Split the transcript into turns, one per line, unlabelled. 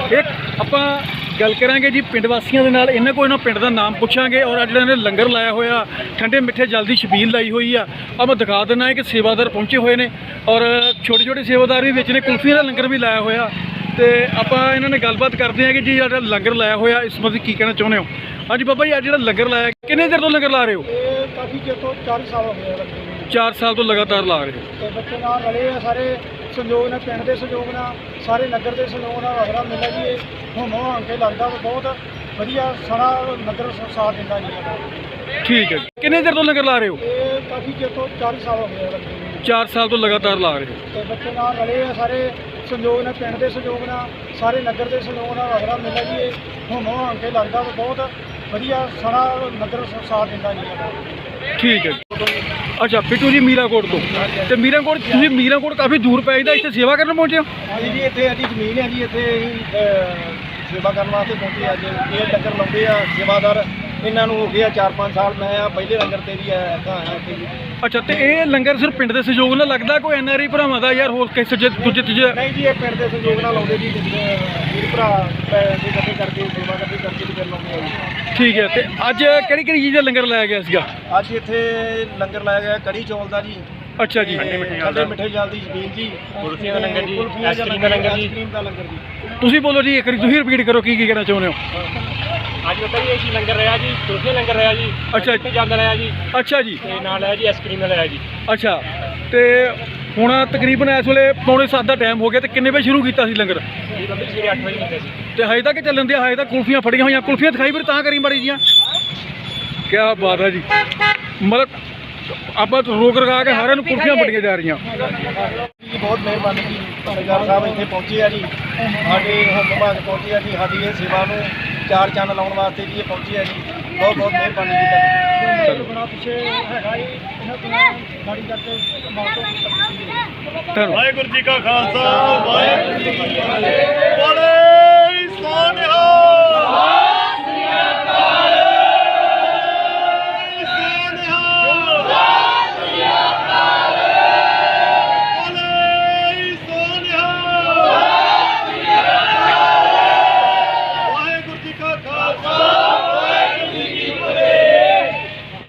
एक ਆਪਾਂ ਗੱਲ ਕਰਾਂਗੇ ਜੀ ਪਿੰਡ ਵਾਸੀਆਂ ਦੇ ਨਾਲ। ਇਹਨਾਂ ਕੋਲ ਇਹਨਾਂ ਪਿੰਡ ਦਾ ਨਾਮ ਪੁੱਛਾਂਗੇ ਔਰ ਜਿਹੜਾ ਇਹਨੇ ਲੰਗਰ ਲਾਇਆ ਹੋਇਆ ਠੰਡੇ ਮਿੱਠੇ ਜਲ ਦੀ ਛਬੀਲ ਲਾਈ ਹੋਈ ਆ। ਆ ਮੈਂ ਦਿਖਾ ਦਿੰਦਾ ਹੈ ਕਿ ਸੇਵਾਦਾਰ ਪਹੁੰਚੇ ਹੋਏ ਨੇ ਔਰ ਛੋਟੇ ਛੋਟੇ ਸੇਵਾਦਾਰ ਵੀ ਵਿੱਚ ਨੇ। ਕੁਲਫੀ ਦਾ ਲੰਗਰ ਵੀ ਲਾਇਆ ਹੋਇਆ ਤੇ ਆਪਾਂ ਇਹਨਾਂ ਨੇ ਗੱਲਬਾਤ ਕਰਦੇ ਹਾਂ ਕਿ ਜੀ ਜਿਹੜਾ ਲੰਗਰ ਲਾਇਆ ਹੋਇਆ ਇਸ ਬਾਰੇ ਕੀ ਕਹਿਣਾ ਚਾਹੁੰਦੇ ਹੋ। ਹਾਂਜੀ ਬਾਬਾ ਜੀ, ਅੱਜ ਜਿਹੜਾ ਲੰਗਰ ਲਾਇਆ ਕਿੰਨੇ ਦੇਰ ਤੋਂ ਲੰਗਰ ਲਾ ਰਹੇ ਹੋ?
ਇਹ ਕਾਫੀ ਚਿਰ ਤੋਂ 4 ਸਾਲ ਹੋ ਗਏ ਲੰਗਰ ਨੂੰ।
4 ਸਾਲ ਤੋਂ ਲਗਾਤਾਰ ਲਾ ਰਹੇ ਹੋ
ਤੇ ਬੱਚੇ ਨਾਲ ਰਲੇ ਆ ਸਾਰੇ ਸੰਯੋਗ ਨਾਲ, ਪਿੰਡ ਦੇ ਸੰਯੋਗ ਨਾਲ, ਸਾਰੇ ਨਗਰ ਦੇ ਸੰਯੋਗ ਨਾਲ ਵਗਰਾ ਮਿਲਦਾ ਜੀ। ਇਹ ਹੋਮੋ ਹੋਣ ਕੇ ਲੱਗਦਾ ਬਹੁਤ ਵਧੀਆ ਸਾਰਾ ਨਗਰ ਸਾਥ ਦਿੰਦਾ ਜੀ।
ਠੀਕ ਹੈ ਜੀ। ਕਿੰਨੇ ਦੇਰ ਤੋਂ ਲੰਗਰ ਲਾ ਰਹੇ ਹੋ?
ਇਹ ਕਾਫੀ ਚਿਰ ਤੋਂ 4 ਸਾਲ ਹੋ ਗਏ ਲੰਗਰ ਨੂੰ।
4 ਸਾਲ ਤੋਂ ਲਗਾਤਾਰ ਲਾ ਰਹੇ ਹੋ
ਤੇ ਬੱਚੇ ਨਾਲ ਰਲੇ ਆ ਸਾਰੇ ਸੰਯੋਗ ਨਾਲ, ਪਿੰਡ ਦੇ ਸੰਯੋਗ ਨਾਲ, ਸਾਰੇ ਨਗਰ ਦੇ ਸੰਯੋਗ ਨਾਲ ਵਗਰਾ ਮਿਲਦਾ ਜੀ। ਇਹ ਹੋਮੋ ਹੋਣ ਕੇ ਲੱਗਦਾ ਬਹੁਤ ਵਧੀਆ ਸਾਰਾ ਨਗਰ ਸਾਥ ਦਿੰਦਾ ਜੀ।
ਠੀਕ ਹੈ ਜੀ। ਅੱਛਾ ਬਿੱਟੂ ਜੀ ਮੀਰਾਂਕੋਟ ਤੋਂ। ਤੇ ਮੀਰਾਂਕੋਟ ਤੁਸੀਂ ਮੀਰਾਂਕੋਟ ਕਾਫੀ ਦੂਰ ਪੈ ਜਾਂਦਾ, ਇੱਥੇ ਸੇਵਾ ਕਰਨ ਪਹੁੰਚੇ ਹੋ?
ਹਾਂਜੀ ਜੀ, ਇੱਥੇ ਸਾਡੀ ਜ਼ਮੀਨ ਹੈ ਜੀ। ਇੱਥੇ ਅਸੀਂ ਸੇਵਾ ਕਰਨ ਵਾਸਤੇ ਪਹੁੰਚੇ ਅੱਜ। ਇਹ ਲੰਗਰ ਲਾਉਂਦੇ ਆ ਸੇਵਾਦਾਰ, ਇਹਨਾਂ ਨੂੰ ਹੋ ਗਿਆ 4-5 ਸਾਲ। ਮੈਂ ਆ ਪਹਿਲੇ ਲੰਗਰ ਤੇ ਵੀ ਆਇਆ ਇੱਥੇ ਜੀ।
ਅੱਛਾ, ਤੇ ਇਹ ਲੰਗਰ ਸਿਰਫ ਪਿੰਡ ਦੇ ਸਹਿਯੋਗ ਨਾਲ ਲੱਗਦਾ, ਕੋਈ ਐਨਆਰਆਈ ਭਰਾਵਾਂ ਦਾ ਯਾਰ ਹੋਰ ਕਿਸੇ ਦੂਜੇ ਤੀਜੇ?
ਨਹੀਂ ਜੀ, ਇਹ ਪਿੰਡ ਦੇ ਸਹਿਯੋਗ ਨਾਲ ਲਾਉਂਦੇ ਜੀ। ਵੀਰ ਭਰਾ ਪੈਸੇ ਇਕੱਠੇ ਕਰਕੇ ਸੇਵਾ ਕਰਕੇ ਵੀ ਕਰ ਲਾਉਂਦੇ ਆ ਜੀ।
ਠੀਕ ਹੈ। ਤੇ ਅੱਜ ਕਿਹੜੀ ਕਿਹੜੀ ਚੀਜ਼ ਦਾ ਲੰਗਰ ਲਾਇਆ ਗਿਆ ਸੀਗਾ?
ਅੱਜ ਇੱਥੇ ਲੰਗਰ ਲਾਇਆ ਗਿਆ ਕੜੀ ਚੌਲ ਦਾ ਜੀ।
ਅੱਛਾ ਜੀ।
ਠੰਡੇ ਮਿੱਠੇ ਜਲ ਦੀ ਛਬੀਲ ਜੀ,
ਕੁਲਫੀਆਂ ਦਾ ਲੰਗਰ ਜੀ,
ਆਈਸਕ੍ਰੀਮ ਦਾ ਲੰਗਰ ਜੀ, ਆਈਸਕ੍ਰੀਮ ਦਾ ਲੰਗਰ ਜੀ।
ਤੁਸੀਂ ਬੋਲੋ ਜੀ, ਇੱਕ ਵਾਰੀ ਤੁਸੀਂ ਰਿਪੀਟ ਕਰੋ ਕੀ ਕਹਿਣਾ ਚਾਹੁੰਦੇ ਹੋ।
ਅੱਜ ਬਾਬਾ ਜੀ ਇਹ ਲੰਗਰ ਰਿਹਾ ਜੀ, ਕੁਲਫੀ ਲੰਗਰ ਰਿਹਾ ਜੀ,
ਅੱਛਾ
ਮਿੱਠੇ ਜਲ ਦਾ ਰਿਹਾ ਜੀ,
ਅੱਛਾ ਜੀ।
ਤੇ ਨਾਲ ਹੈ ਜੀ ਆਈਸਕ੍ਰੀਮ ਦਾ ਰਿਹਾ ਜੀ।
ਅੱਛਾ, ਤੇ ਹੁਣ ਤਕਰੀਬਨ ਇਸ ਵੇਲੇ 6:45 ਦਾ ਟਾਈਮ ਹੋ ਗਿਆ ਤੇ ਕਿੰਨੇ ਵਜੇ ਸ਼ੁਰੂ ਕੀਤਾ ਸੀ ਲੰਗਰ?
ਜੀ ਬਾਬਾ ਜੀ ਸਵੇਰੇ 8 ਵਜੇ ਹੁੰਦਾ ਸੀ।
ਤੇ ਹਜੇ ਤੱਕ ਚੱਲਣ ਦੇ? ਹਜੇ ਤੱਕ ਕੁਲਫੀਆਂ ਫੜੀਆਂ ਹੋਈਆਂ। ਕੁਲਫੀਆਂ ਦਿਖਾਈ ਫਿਰ ਤਾਂ ਕਰੀ ਮਾੜੀ ਜੀਆਂ। ਕੀ ਬਾਤ ਹੈ ਜੀ। ਮਤਲਬ ਆਪਾਂ ਰੋਕ ਰਗਾ ਕੇ ਸਾਰਿਆਂ ਨੂੰ ਕੁਲਫੀਆਂ ਫੜੀਆਂ ਜਾ ਰਹੀਆਂ।
ਜੀ ਬਹੁਤ ਮਿਹਰਬਾਨੀ ਜੀ। ਸਰਦਾਰ ਸਾਹਿਬ ਇੱਥੇ ਪਹੁੰਚੇ ਆ ਜੀ, ਸਾਡੇ ਹੁਕਮ ਵਿਭਾਗ ਪਹੁੰਚੇ ਆ ਜੀ, ਸਾਡੀ ਇਹ ਸੇਵਾ ਨੂੰ 4 ਚੰਨ ਲਾਉਣ ਵਾਸਤੇ ਜੀ ਇਹ ਪਹੁੰਚੇ ਆ ਜੀ। ਬਹੁਤ ਬਹੁਤ ਮਿਹਰਬਾਨੀ ਜੀ। ਚਲੋ ਬਣਾ ਪਿੱਛੇ ਹੈਗਾ ਜੀ, ਇਹਨਾਂ ਬਿਨਾਂ ਗਾੜੀ ਕਰਕੇ ਮਾਰੋ।
ਧੰਨਵਾਦ।
ਵਾਹਿਗੁਰੂ ਜੀ ਕਾ ਖਾਲਸਾ, ਵਾਹਿਗੁਰੂ ਜੀ ਕੀ ਫਤਿਹ।